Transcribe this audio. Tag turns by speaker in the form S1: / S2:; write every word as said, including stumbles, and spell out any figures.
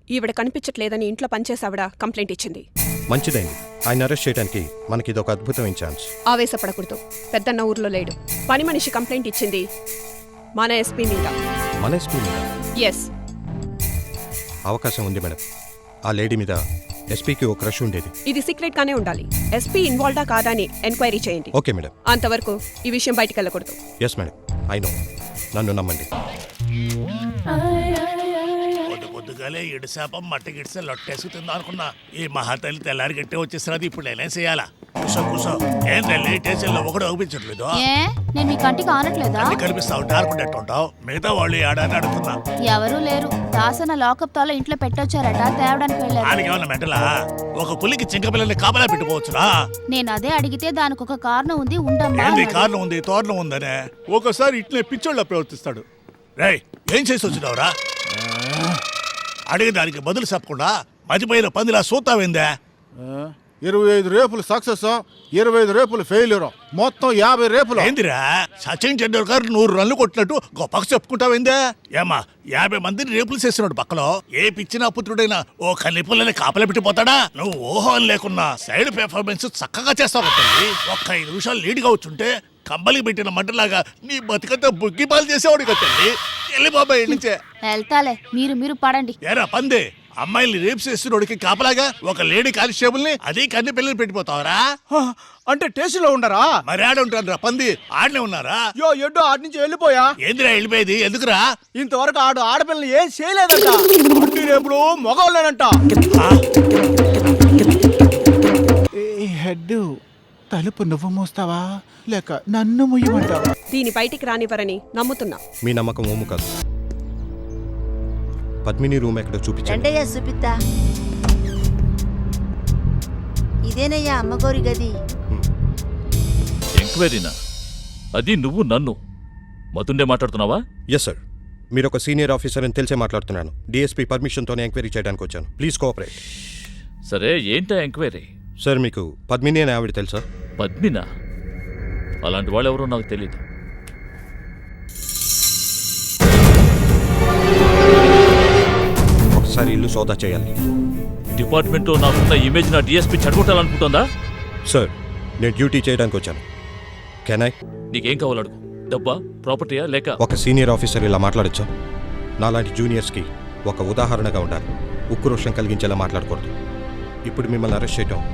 S1: ఈవిడ కనిపించట్లేదని ఇంట్లో పనిచేసావిడ కంప్లైంట్ ఇచ్చింది.
S2: మంచిదైంది. ఆయన అరెస్ట్ చేయడానికి మనకి ఇదొక అద్భుతమైన ఛాన్స్.
S1: ఆవేశపడకూడదు. పెద్దన్న ఊర్లో లేడు. పని మనిషి కంప్లైంట్ ఇచ్చింది మన ఎస్పీ మీద.
S2: మన ఎస్పీ మీద?
S1: ఎస్.
S2: అవకాశం ఉంది మేడం. ఆ లేడీ మీద ఎస్పీకి ఒక క్రష్ ఉండేది.
S1: ఇది సీక్రెట్ గానే ఉండాలి. ఎస్పీ ఇన్వాల్వ్డా కాదా అని ఎంక్వైరీ చేయండి.
S2: Okay madam.
S1: అంతవరకు ఈ విషయం బయటికి వెళ్ళకూడదు.
S2: Yes madam. I know. నన్ను నమ్మండి.
S3: పొద్దు పొద్దుగాలే ఇడు శాపం మట్టి గిడిసే లొట్టేసుకుతుందా అనుకున్నా. ఈ మహాతల్లి తెల్లారి గట్టే వచ్చేసినది. ఇప్పుడు నేనేం చేయాలా? కూసో కూసో. ఏం తల్లి స్టేషన్లో ఒకడు అనిపించట్లేదు?
S4: నేను మీ కంటికి ఆనట్లేదా?
S3: కనిపిస్తావు డారుకుంటట్టుంటావు. మిగతా వాళ్ళు ఆడని అడుగుతున్నా.
S4: ఎవరూ లేరు. దాసన లాకప్ తాలో ఇంట్లో పెట్టొచ్చారట, తేవడానికి వెళ్ళారు.
S3: దానికి ఏమన్నా మెంటలా? ఒక పులికి చింక పిల్లల్ని కాపలా పెట్టుకోవచ్చునా?
S4: నేను అదే అడిగితే దానికి ఒక కారణం ఉంది, ఉండమ్మా.
S3: ఏంది కారణం ఉంది? తోరణం ఉందనే. ఒకసారి ఇట్లే పిచ్చోళ్ళ ప్రవర్తిస్తాడు. రేయ్, ఏం చేసి వచ్చినావురా? అడిగి దానికి బదులు చెప్పకుండా మతిపోయిన పందిలా సూతావేందే?
S5: ఇరవై ఐదు రేపులు సక్సెస్, ఇరవై ఐదు రేపులు ఫెయిల్యూర్, మొత్తం యాభై రేపులు.
S3: ఏందిరా సచిన్ టెండూల్కర్ నూరు రన్లు కొట్టినట్టు గొప్పకు చెప్పుకుంటావేందే? ఏమా యాభై మందిని రేపులు చేస్తున్నాడు పక్కలో. ఏ పిచ్చిన పుత్రుడైనా ఓ కనిపుల్లని కాపలా పెట్టిపోతాడా? నువ్వు ఊహం లేకున్నా సైడ్ పెర్ఫార్మెన్స్ చక్కగా చేస్తావు తల్లి. ఒక్క ఐదు నిమిషాలు లీడ్గా వచ్చుంటే కంబలికి పెట్టిన మంటలాగా నీ బతికంతా బుగ్గి పాలు చేసేవాడు కదా తల్లి. వెళ్ళి బాబాయ్ నుంచే.
S4: వెళ్తాలే, మీరు మీరు పడండి.
S3: ఏరా పందే, అమ్మాయిల్ని రేపు చేస్తున్నోడికి కాపలాగా ఒక లేడీ కానిస్టేబుల్ ని అదే కన్ని పిల్లలు పెట్టిపోతావరా?
S5: అంటే స్టేషన్ లో ఉండరా?
S3: మరి ఆడ ఉంటాను రా పంది. ఆడనే ఉన్నారా?
S5: యో ఎడ్డో ఆడి నుంచి వెళ్ళిపోయా.
S3: ఏందిరా వెళ్ళిపోయేది? ఎందుకురా?
S5: ఇంతవరకు ఆడు ఆడపిల్లని ఏం చేయలేదంట. అన్ని రేపులు మగవాళ్ళేనంట. హెడ్ తలుపు నువ్వు మూస్తావా లేక నన్ను ముయ్యమంటావా?
S1: దీని బయటికి రానివ్వరని నమ్ముతున్నా.
S2: మీ నమ్మకం ఓము కాదు. పద్మిని రూమ్ ఎక్కడో చూపించండి.
S6: రండయ్యా చూపిత్తా. ఇదేనయ్యా అమ్మగోరి గది.
S7: ఎంక్వైరీనా? అది నువ్వు నన్ను మతుండే మాట్లాడుతున్నావా?
S2: Yes sir. మీరు ఒక సీనియర్ ఆఫీసర్ అని తెలిసే మాట్లాడుతున్నాను. డిఎస్పీ పర్మిషన్తోనే ఎంక్వైరీ చేయడానికి వచ్చాను. Please cooperate.
S7: సరే, ఏంటా ఎంక్వైరీ?
S2: సార్, మీకు పద్మిని అనే ఆవిడ తెలుసా?
S7: పద్మినా? అలాంటి వాళ్ళు ఎవరో నాకు తెలీదు.
S2: ఒకసారి ఇల్లు సోదా చేయాలి.
S7: డిపార్ట్మెంట్లో నాకున్న ఇమేజ్ నా డిఎస్పీ చెడగొట్టాలనుకుంటుందా?
S2: సార్, నేను డ్యూటీ చేయడానికి వచ్చాను. Can I?
S7: నీకేం కావాలి అడుగు. డబ్బా, ప్రాపర్టీయా, లేక?
S2: ఒక సీనియర్ ఆఫీసర్ ఇలా మాట్లాడచ్చా? నాలాంటి జూనియర్స్కి ఒక ఉదాహరణగా ఉండాలి. ఉక్రోషం కలిగించేలా మాట్లాడకూడదు. ఇప్పుడు మిమ్మల్ని అరెస్ట్ చేయటం